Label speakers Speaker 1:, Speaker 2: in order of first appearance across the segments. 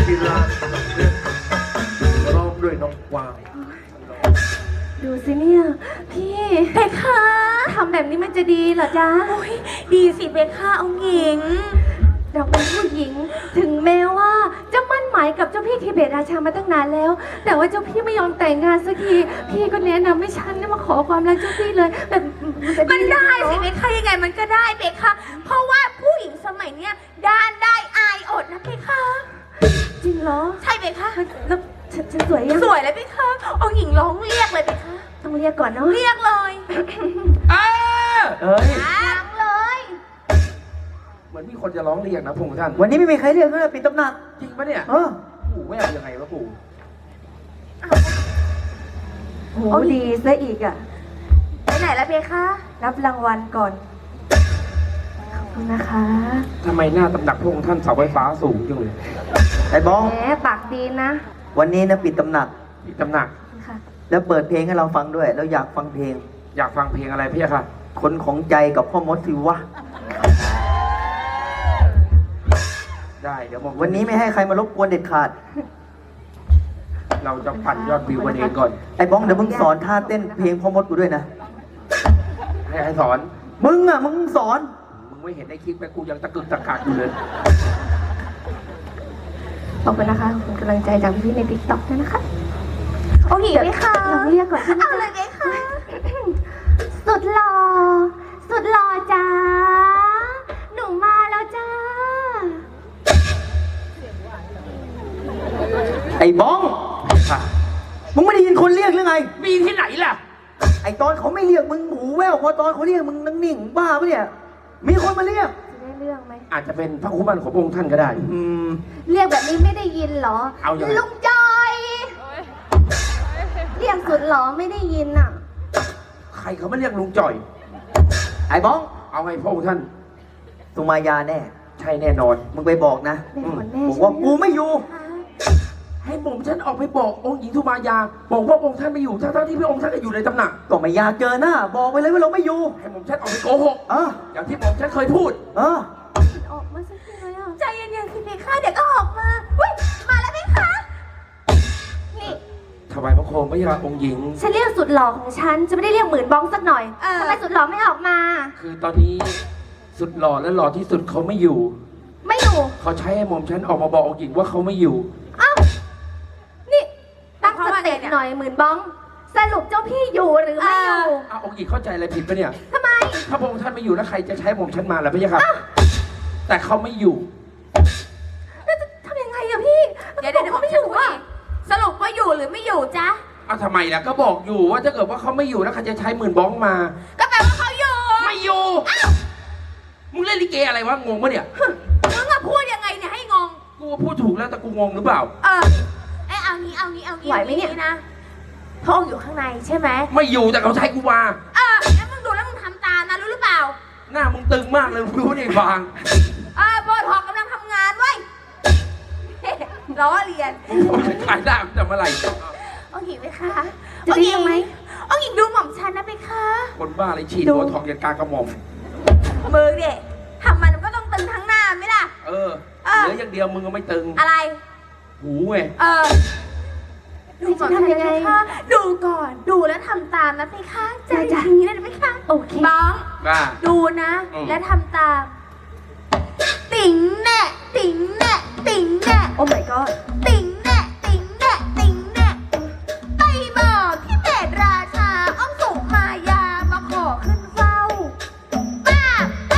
Speaker 1: ศิลาร้องด้วยน้องกวาง
Speaker 2: ดูสิเนี่ยพี่เบคค่ะทำแบบนี้มันจะดีเหรอจ๊ะโอ้ยดีสิเบคค่ะเอาหญิงเราเป็นผู้หญิงถึงแม้ว่าจะมั่นหมายกับเจ้าพี่ทิเบตราชามาตั้งนานแล้วแต่ว่าเจ้าพี่ไม่ยอมแต่งงานสักทีพี่ก็แนะนำให้ฉันมาขอความรักเจ้าพี่เลยแบบมันได้สิเบคค่ะยังไงมันก็ได้เบคค่ะเพราะว่าผู้หญิงสมัยเนี้ยด้านได้อายอดนะเบคค่ะจริงเหรอใช่เบคค่ะแล้วฉันสวยยังสวยเลยเบคค่ะเอาหญิงร้องเรียกเลยเบคค่ะต้องเรียกก่อนเนาะเรียกเลย
Speaker 1: เอ้ย
Speaker 2: ร้องเลย
Speaker 1: เหมือนมีคนจะร้องเรียกนะพงษ์ท่าน
Speaker 3: วันนี้ไม่มีใครเรียกเลยปิดตำหนัก
Speaker 1: จริงปะเนี่ยปู่ไม่เอายังไงวะปู่
Speaker 2: โหดีซะอีกอ่ะไปไหนแล้วเบคะรับรางวัลก่อนขอบคุณนะคะ
Speaker 1: ทำไมหน้าตำหนักพงษ์ท่านเสาไฟฟ้าสูงจังเลย
Speaker 3: ไอ้บ้อง
Speaker 2: แหมปากดีนะ
Speaker 3: วันนี้นะปิดตำหนัก
Speaker 1: ปิดตำหนัก
Speaker 2: ค่ะ
Speaker 3: แล้วเปิดเพลงให้เราฟังด้วยเราอยากฟังเพลง
Speaker 1: อยากฟังเพลงอะไรพี่ค่ะ
Speaker 3: คนของใจกับพ่อมดสิวะ
Speaker 1: ได้เดี๋ยวบอก
Speaker 3: วันนี้ไม่ให้ใครมารบกวนเด็ดขาด
Speaker 1: เราจะปั่นยอดวิวกันเองก่อน
Speaker 3: ไอ้บ้องเดี๋ยวมึงสอนท่าเต้นเพลงพ่อมดกูด้วยนะ
Speaker 1: ให้สอน
Speaker 3: มึงสอน
Speaker 1: มึงไม่เห็นในคลิปไหมกูยังตะกึกตะกักอยู่เลย
Speaker 2: ขอบคุณนะคะขอบคุณกำลังใจจากพี่ในติ๊กต็อกด้วยนะคะโอ้ยไหมคะลองเรียกก่อนเอาเลยไหมคะสุดหล่อจ้าหนูมาแล้วจ้า
Speaker 3: ไอ้บ้องมึงไม่ได้ยินคนเรียกหรือไง
Speaker 1: มีที่ไหนล่ะ
Speaker 3: ไอ้ตอนเขาไม่เรียกมึงหูแว่วพอตอนเขาเรียกมึงนั่งนิ่งบ้าปะเนี่ยมีคนมาเรียก
Speaker 2: จะได้เรื่องไหม
Speaker 1: อาจจะเป็นพระคุ้มันของพระองค์ท่านก็ได้
Speaker 2: เรียกแบบนี้ไม่ได้ยินเหรอ
Speaker 1: เอาอย่าง
Speaker 2: ลุงจอยเรียกสุดหรอไม่ได้ยินอ่ะ
Speaker 1: ใครเขาไม่เรียกลุงจ่อย
Speaker 3: ไอ้บ้อง
Speaker 1: เอาไงพระองค์ท่าน
Speaker 3: สุมายาแน่
Speaker 1: ใช่แน่นอน
Speaker 3: มึงไปบอกนะบอกว่ากูไม่อยู่
Speaker 1: ให้ผมฉันออกไปบอกองค์หญิงสุมายาบอกว่าองค์ท่านไม่อยู่ทั้งที่พระองค์ท่านก็อยู่ในตำหนัก
Speaker 3: ก็ไม่อยากเจอหน้าบอกไปเลยว่าเราไม่อยู่
Speaker 1: ให้ผมฉันออกไปโกหกอย่างที่ผมฉันเคยพูด
Speaker 2: ออกมาสักทีเลยอ่ะใจเย็นๆสิเพคะเดี๋ยวก็ออกมาอุ้ยมาแล้วเพคะนี่
Speaker 1: ถวายพระโคมพระยาองค์หญิง
Speaker 2: ฉันเรียกสุดหล่อของฉันจะไม่ได้เรียกหมื่นบ้องสักหน่อยทำไมสุดหล่อไม่ออกมา
Speaker 1: คือตอนนี้สุดหล่อและหล่อที่สุดเขาไม่อยู่เขาใช้ให้ผมฉันออกมาบอกองค์หญิงว่าเขาไม่อยู่
Speaker 2: อ้าวนี่ตั้งสติหน่อยหมื่นบ้องสรุปเจ้าพี่อยู่หรือไม่อยู่
Speaker 1: องค์หญิงเข้าใจอะไรผิดปะเนี่ย
Speaker 2: ทำไม
Speaker 1: ถ้าพระองค์ท่านไม่อยู่แล้วใครจะใช้ผมฉันมาล่ะพี่ครับแต่เขาไม่อยู่
Speaker 2: แล้วจะทำยังไงอะพี่เดี๋ยวเขาไม่อยู่อะสรุปว่าอยู่หรือไม่อยู่จ๊ะ
Speaker 1: ทำไมล่ะก็บอกอยู่ว่าถ้าเกิดว่าเขาไม่อยู่แล้วใครจะใช้หมื่นบ้องมา
Speaker 2: ก็แปลว่าเขาอยู่
Speaker 1: ไม่อยู่มึงเล่นลิเกอะไรวะงงปะเนี่ย
Speaker 2: มึงอะพูดยังไงเนี่ยให้งง
Speaker 1: กูพูดถูกแล้วแต่กูงงหรือเปล่า
Speaker 2: เอางี้ไหวไหมเนี่ยนะพระองค์อยู่ข้างในใช่ไหม
Speaker 1: ไม่อยู่แต่เขาใช้กูมา
Speaker 2: แล้วมึงดูแล้วมึงทำตามนะรู้หรือเปล่า
Speaker 1: หน้ามึงตึงมากเลยรู้นี่บาง
Speaker 2: โบทอกกำลังทำงานไว้ล้อเลียน
Speaker 1: ขายได้แต่เมื่อไหร่
Speaker 2: องค์หญิงไหมคะจะได้ยังไหมองค์หญิงดูหม่อมฉันนะไหมคะ
Speaker 1: คนบ้าอะไรฉีดโบทอกยันกากระหม่อม
Speaker 2: มือเด็กทำมันก็ต้องตึงทั้งหน้าไหมล่ะ
Speaker 1: เหลืออย่างเดียวมึงก็ไม่ตึง
Speaker 2: อะไร
Speaker 1: หูไง
Speaker 2: ดูก่อนทำยังไงดูก่อนดูแล้วทำตามนะพี่คะใจอย่างนี้นะพี่คะโอเคบ้องดูนะและทำตามติ๋งแน่ติ๋งแน่ติ๋งแน่โอ้ my god ติ๋งแน่ติ๋งแน่ติ๋งแน่ไปบอกที่เบตราชาอ้อมสุมายามาขอขึ้นเฝ้าป้า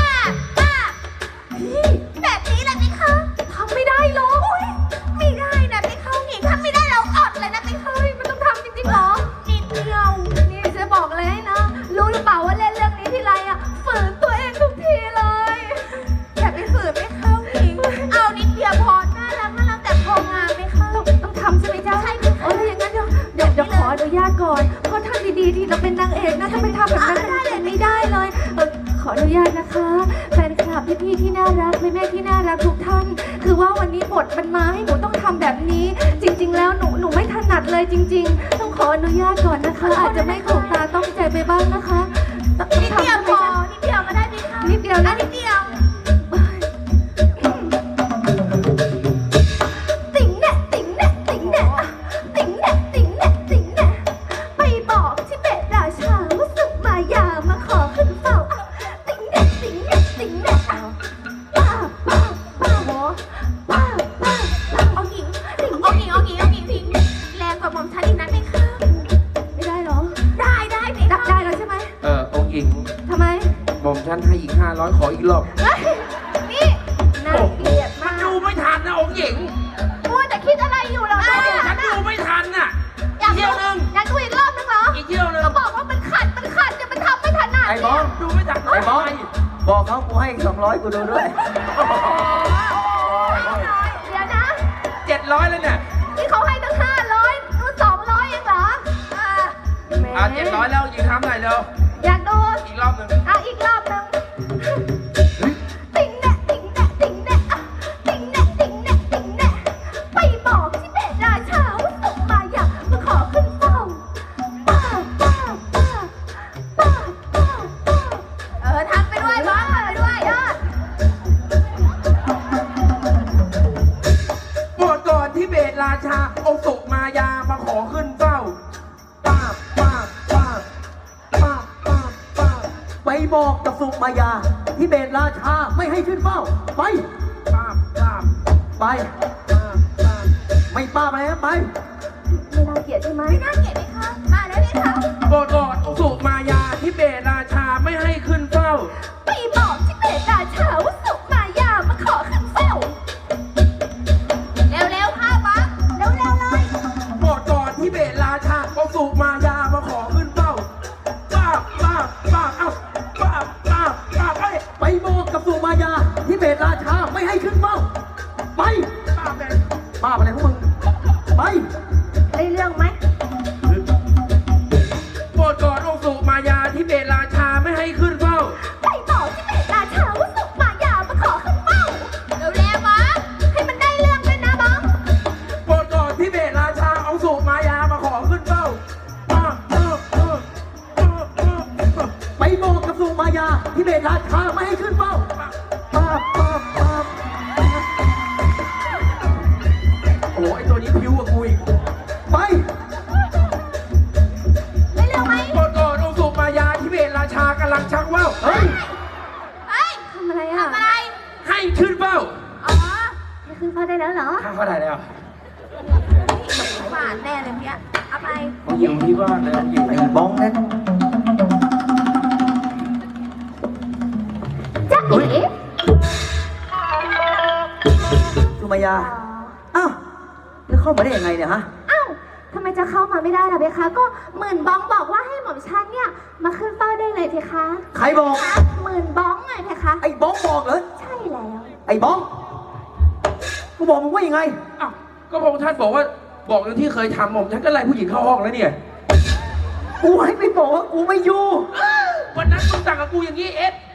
Speaker 2: แบบนี้แหละพี่คะทำไม่ได้หรอไม่ได้นะพี่เขาหญิงทำไม่ได้เราอดเลยนะพี่เขามันต้องทำจริงๆหรอนิดเดียวนี่จะบอกเลยนะรู้หรือเปล่าว่าเล่นเรื่องนี้ทีไรฝืนตัวเองทุกทีเลยอย่าไปฝืนไม่เข้าหญิงเอานิดเดียวพอน่ารักแต่พองามไม่เข้าต้องทำใช่ไหมจ๊ะใช่ค่ะอย่างนั้นเดี๋ยวขออนุญาตก่อนเพราะทำดีๆที่เราเป็นนางเอกนะถ้าไปทำแบบนั้นไม่ได้เลยขออนุญาตนะคะแฟนคลับพี่ๆที่น่ารักแม่ๆที่น่ารักทุกท่านคือว่าวันนี้บทมันมาให้หนูต้องทำแบบนี้จริงๆแล้วหนูไม่ถนัดเลยจริงๆต้องขออนุญาตก่อนนะคะอาจจะไม่ถูกตาต้องใจไปบ้างนะคะนิดเดียวพอนิดเดียวก็ได้ไหมคะนิดเดียวนะนิดเดียวติ๋ง
Speaker 1: ฉันให้อีก500ขออีกรอบ
Speaker 2: เฮ้ยนี่น่าเกลียด
Speaker 1: มั
Speaker 2: มาน ก
Speaker 1: ดูไม่ทันนะองค์หญิง
Speaker 2: มัวแต่คิดอะไรอยู่เหรอ
Speaker 1: ฉันดูไม่ทันน่ะ
Speaker 2: อยาก
Speaker 1: เที่ยวนึง
Speaker 2: อยากดูอีกรอบนึงเหรอ
Speaker 1: อีกเที่ยวนึง
Speaker 2: ก็บอกว่ามันขัดเนี่ยมันทำไม่ถนัด
Speaker 3: ไอ้บอส
Speaker 1: ดูไม่ทัน
Speaker 3: ไอ้บอสบอกเขากูให้200กูดูด้วย
Speaker 2: เดี๋ยวนะ
Speaker 1: 700แล้วเนี่ย
Speaker 2: นี่เขาให้ตั้ง500นู่น200เองเหรอแหม
Speaker 1: 700แล้วหญิงทำหน่อยเร็ว
Speaker 2: อยากดู
Speaker 1: อีกรอบหนึ่ง
Speaker 2: อีกรอบนึงติ๊งแน่ติ๊งแน่ติ๊งแน่อ่ะติ๊งแน่ติ๊งแน่ติ๊งแน่ไปบอกที่เบตราชาว่าส่งมาอยากมาขอขึ้นเฝ้าป้าป้าป้าป้าป้าป้าทำไปด้วยบ้างทำไปด้วยยอด
Speaker 1: โปรดก่อนที่เบตราชาองค์สุมายามาขอขึ้นเฝ้าป้าบป้าบป้าบป้าบป้าบป้าบ
Speaker 3: ไปบอกกับสุมายาที่เบตราชาไม่ให้ขึ้นเฝ้า ไป
Speaker 1: ป้าบป้าบ
Speaker 3: ไป
Speaker 1: ป้าบป้าบ
Speaker 3: ไม่ป้าไปนะไป
Speaker 2: ไม่น่าเกลียดใช่ไหมไม่น่าเกลียดไหมคะมาแล้วเลยค่ะ
Speaker 1: โปรดก่อนองค์สุมายาที่เบตราชาไม่ให้ขึ้นเฝ้า
Speaker 2: ไปบอกที่เบตราชาว่าส่งมายามาขอขึ้นเฝ้าเร็วๆค่ะบังเร็วๆเลย
Speaker 1: โปรดก่อนที่เบตราชาองค์สุมายามาขอขึ้นเฝ้าป้าบป้าบป้าบเอ้าป้าบป้าบป้าบเอ้ย
Speaker 3: ไปบอกกับสุมายาที่เบตราชาไม่ให้ขึ้นเฝ้า ไป
Speaker 1: ป้าบเลย
Speaker 3: ป้าไปอะไรพวกมึง ไป
Speaker 2: ได้เรื่องไหม
Speaker 1: โปรดก่อนองค์สุมายาที่เบตราชาไม่ให้ขึ้นเฝ้า
Speaker 2: ไปบอกที่เบตราชาว่าส่งมายามาขอขึ้นเฝ้าเร็วๆบังให้มันได้เรื่องด้วยนะบัง
Speaker 1: โปรดก่อนที่เบตราชาองค์สุมายามาขอขึ้นเฝ้าป้าบป้าบป้าบป้าบป้าบป้าบ
Speaker 3: ไปบอกกับสุมายาที่เบตราชาไม่ให้ขึ้นเฝ้า ป้าป้าป้า
Speaker 1: โอ้ไอตัวนี้พิ้วกว่ากูอีก
Speaker 3: ไป
Speaker 2: ได้เรื่องไหม
Speaker 1: โปรดก่อนองค์สุมายาที่เบตราชากำลังชักว่าว
Speaker 3: เฮ้ย
Speaker 2: เฮ้ยทำอะไรอ่ะทำอะไร
Speaker 1: ให้ขึ้นเฝ้า
Speaker 2: อ๋อให้ขึ้นเฝ้าได้แล้วเหรอ
Speaker 1: ข้าเข้าได้แล้ว
Speaker 2: หวานแน่เลยเนี่ยเอาไป
Speaker 1: องค์หญิงที่บ้านเลยองค์หญิง
Speaker 3: ไอ้บ้องนั้น
Speaker 2: จ๊ะเอ๋
Speaker 3: สุมายา อ้าวแล้วเข้ามาได้ยังไงเนี่ยฮะ
Speaker 2: อ้าวทำไมจะเข้ามาไม่ได้ล่ะเพคะ ก็หมื่นบ้องบอกว่าให้หม่อมฉันเนี่ยมาขึ้นเฝ้าได้เลยเพคะ
Speaker 3: ใครบอก
Speaker 2: หมื่นบ้องไงเพคะ
Speaker 3: ไอ้บ้องบอกเหรอ
Speaker 2: ใช่แล้ว
Speaker 3: ไอ้บ้อง กูบอกมึงว่ายังไง
Speaker 1: อ้าวก็พระองค์ท่านบอกว่าบอกอย่างที่เคยทำผมฉันก็ไล่ผู้หญิงเข้าห้องแล้วเนี่ย
Speaker 3: กูให้ไปบอกว่ากูไม่อยู่
Speaker 1: วันนั้นมึงสั่งกับกูอย่างนี้เอ็ด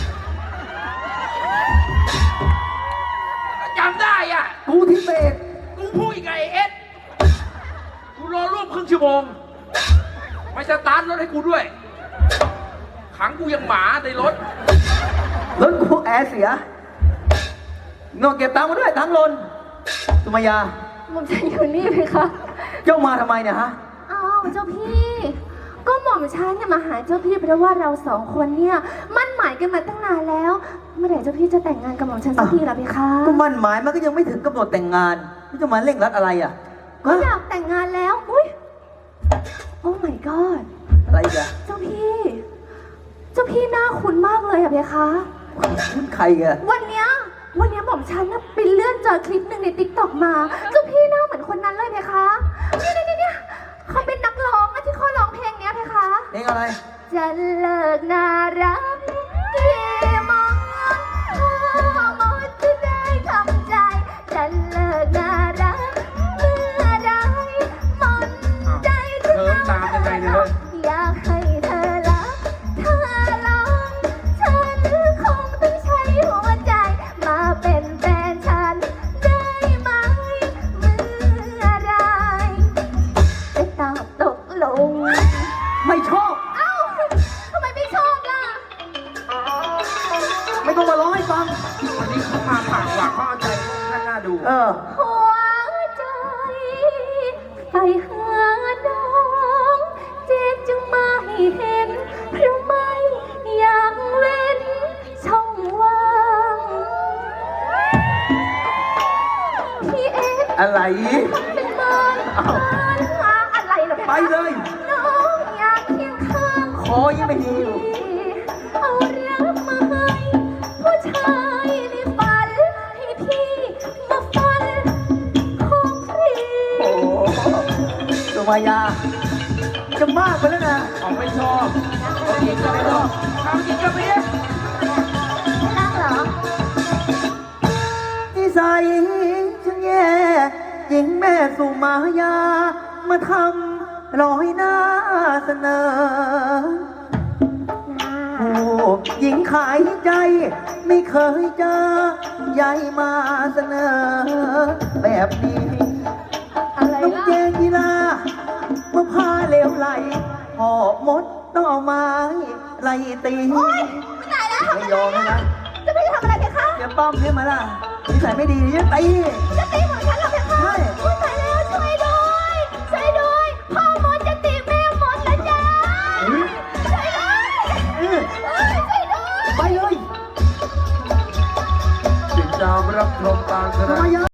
Speaker 1: จำได้อ่ะ
Speaker 3: กูที่เบต
Speaker 1: กูพูดอีกไงเอ็ดกูรอร่วมครึ่งชั่วโมงไม่สตาร์ทรถให้กูด้วย ขังกูยังหมาในรถ
Speaker 3: รถกูแอร์เสียเงินเก็บตังค์มาด้วยตังค์หล่นสุมายา
Speaker 2: หม่อมฉันอยู่นี่เพคะ
Speaker 3: เจ้ามาทำไมเนี่ยฮะ
Speaker 2: อ้าวเจ้าพี่ ก็หม่อมฉันเนี่ยมาหาเจ้าพี่เพราะว่าเราสองคนเนี่ยมั่นหมายกันมาตั้งนานแล้ว เมื่อไหร่เจ้าพี่จะแต่งงานกับหม่อมฉันสักทีล่ะเพคะ
Speaker 3: ก็มั่นหมายมันก็ยังไม่ถึงกำหนดแต่งงานนี่จะมาเร่งรัดอะไรอ่ะ
Speaker 2: ก็
Speaker 3: ฮะ
Speaker 2: อยากแต่งงานแล้ว อุ้ยโอ้ my god
Speaker 3: อะไรอีกอะ
Speaker 2: เจ้าพี่ เจ้าพี่หน้าคุ้นมากเลยอะเพคะ
Speaker 3: คุณใครอะ
Speaker 2: วันเนี้ยหม่อมฉันน่ะไปเลื่อนเจอคลิปหนึ่งในติ๊กต็อกมา เจ้าพี่หน้าเหมือนคนนั้นเลยเพคะเนี่ยเขาเป็นนักร้องอะที่เขาร้องเพลงเนี้ยเพคะ
Speaker 3: เพลงอะไร
Speaker 2: จะเลิกน่ารักกี่โมงพ่อหมดจะได้ทำใจ จะเลิกน่ารักเมื่อไรหมดใจจะ
Speaker 1: เริ่มตามยังไงเนี่ยเฮ้ย
Speaker 2: อยากให้เธอรักถ้าลองฉันคงต้องใช้หัวใจ มาเป็นแฟนฉันได้ไหมเมื่อไรจะตอบตกลง
Speaker 3: ไม่ชอบ
Speaker 2: เอ้าทำไมไม่ชอบล่ะ
Speaker 3: ไม่ต้องมาร้องให้ฟัง
Speaker 1: วันนี้เขามาปากหวานเขาเอาใจท่านน่าดู
Speaker 3: เออ
Speaker 2: หัวใจไปหาน้องเจ็บจึงไม่เห็นเพราะไม่อยากเว้นช่องว่างพี่เอ็ก
Speaker 3: อะไร
Speaker 2: เป็นเมินหาอะไรเหรอ
Speaker 3: ไปเลย
Speaker 2: น้องอยากเคียงข้าง
Speaker 3: คอยังไม่ดีอยู่
Speaker 2: เอาเรื่องมา
Speaker 3: มายา จะมากไปแล้วนะ
Speaker 1: ของไม่ชอบของหญิงก็ไม่ชอบทำหญิงก็ไม่เอ๊ะ
Speaker 2: รักเหรอ
Speaker 3: นิสัยฉันแย่หญิงแม่สุมายา มาทำร้อยหน้าเสนอ โอ้หญิงขายใจ ไม่เคยเจอใหญ่มาเสนอ แบบนี้
Speaker 2: อะไร
Speaker 3: น้อง
Speaker 2: ล่ะ
Speaker 3: เจนกีฬาเมื่อพาเลวไหลหอบมดต้องเอาไม้ไล่ตี
Speaker 2: โอ๊ยไม่ได้แล้ว
Speaker 3: ไม่ยอมนะ
Speaker 2: จะไปทำอะไรเพคะ
Speaker 3: อย่าป้อมใช่ไหมล่ะนิสัยไม่ดีจะตี
Speaker 2: จะตีเหมือนฉันเหรอเพคะ
Speaker 3: ใช่
Speaker 2: อุ๊ยตายแล้วช่วยด้วยช่วยด้วยพ่อมดจะตีแม่มดแล้วจ้าช่วยด้วย
Speaker 3: เออ
Speaker 2: ช่วยด้วย
Speaker 3: ไปเลย
Speaker 1: ติดตามรับชมการแสด
Speaker 3: มาง ยา